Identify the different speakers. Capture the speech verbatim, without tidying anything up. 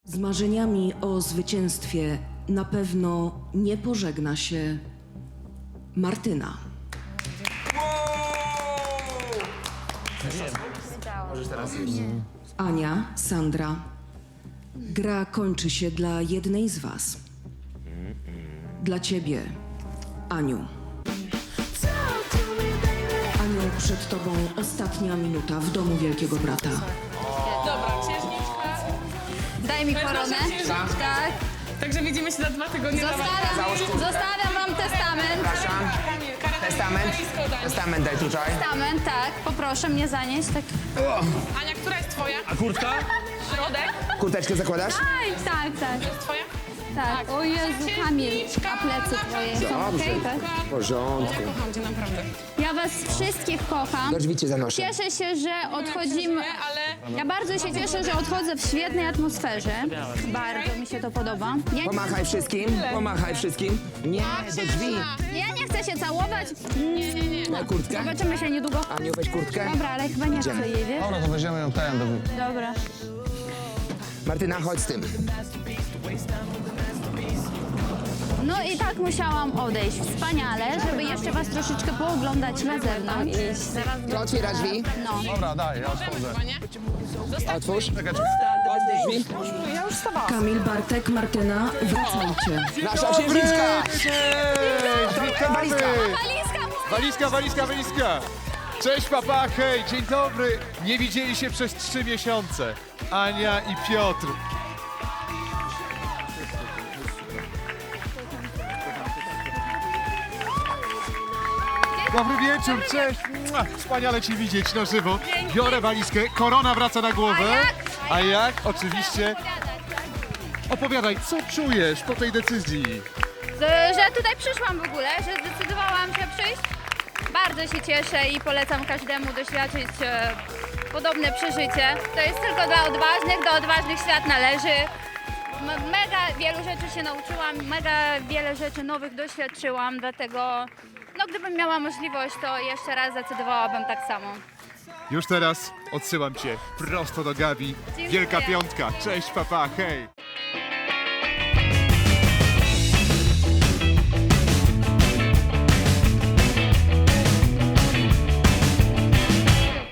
Speaker 1: Z marzeniami o zwycięstwie na pewno nie pożegna się Martyna. Ania, Sandra. Gra kończy się dla jednej z was. Dla ciebie, Aniu. Aniu, przed tobą ostatnia minuta w domu Wielkiego Brata.
Speaker 2: Dobra, księżniczka.
Speaker 3: Daj mi
Speaker 2: To jest
Speaker 3: koronę.
Speaker 2: nasza księżniczka.
Speaker 3: Tak.
Speaker 2: Także widzimy się za dwa tygodnie.
Speaker 3: Zostawiam, zostawiam wam testament.
Speaker 4: Przepraszam. Testament? Testament daj tutaj.
Speaker 3: Testament, tak. Poproszę mnie zanieść. Tak.
Speaker 2: Ania, która jest twoja?
Speaker 5: A kurtka?
Speaker 2: Środek?
Speaker 4: Kurteczkę zakładasz?
Speaker 3: Aj, tak, tak.
Speaker 2: Jest twoja?
Speaker 3: Tak. O Jezu, Kamil, a plecy twoje są
Speaker 4: Dobrze.
Speaker 3: okej, tak?
Speaker 4: W porządku.
Speaker 2: Kocham cię naprawdę.
Speaker 3: Ja was wszystkich kocham.
Speaker 4: Do drzwi cię zanoszę.
Speaker 3: Cieszę się, że odchodzimy.
Speaker 2: Nie, ale
Speaker 3: Ja bardzo się cieszę, że odchodzę w świetnej atmosferze. Bardzo mi się to podoba. Ja nie,
Speaker 4: Pomachaj wszystkim, pomachaj wszystkim. Nie, do drzwi.
Speaker 3: ja nie chcę się całować. Nie, nie, nie.
Speaker 4: Na kurtkę.
Speaker 3: Zobaczymy się niedługo.
Speaker 4: Aniu, weź kurtkę.
Speaker 3: Dobra, ale chyba nie chcę jej, wiesz?
Speaker 5: Dobra, to weźmiemy ją ten. Do...
Speaker 3: Dobra.
Speaker 4: Martyna, chodź z tym.
Speaker 3: No i tak musiałam odejść. Wspaniale, żeby jeszcze was troszeczkę pooglądać na zewnątrz.
Speaker 4: To otwiera drzwi.
Speaker 3: No.
Speaker 5: Dobra, daj, ja odchodzę.
Speaker 2: chyba nie.
Speaker 4: Otwórz.
Speaker 5: Czekaj, czekaj.
Speaker 4: Drzwi.
Speaker 2: Ja już wstawałam.
Speaker 1: Kamil, Bartek, Martyna, wracajcie.
Speaker 4: Nasza księżniczka.
Speaker 6: Witamy!
Speaker 4: Walizka.
Speaker 3: Walizka moja!
Speaker 6: Walizka, walizka, walizka! Cześć papa, hej, dzień dobry! Nie widzieli się przez trzy miesiące. Ania i Piotr. Dobry wieczór, cześć! Mua, wspaniale cię widzieć na żywo. Biorę walizkę, korona wraca na głowę. A jak? Oczywiście. Opowiadaj, co czujesz po tej decyzji?
Speaker 3: Że, że tutaj przyszłam w ogóle, że zdecydowałam się przyjść. Bardzo się cieszę i polecam każdemu doświadczyć e, podobne przeżycie. To jest tylko dla odważnych, do odważnych świat należy. M- mega wielu rzeczy się nauczyłam, mega wiele rzeczy nowych doświadczyłam, dlatego no, gdybym miała możliwość, to jeszcze raz zdecydowałabym tak samo.
Speaker 6: Już teraz odsyłam cię prosto do Gabi.
Speaker 3: Dziękuję.
Speaker 6: Wielka piątka. Cześć papa, hej!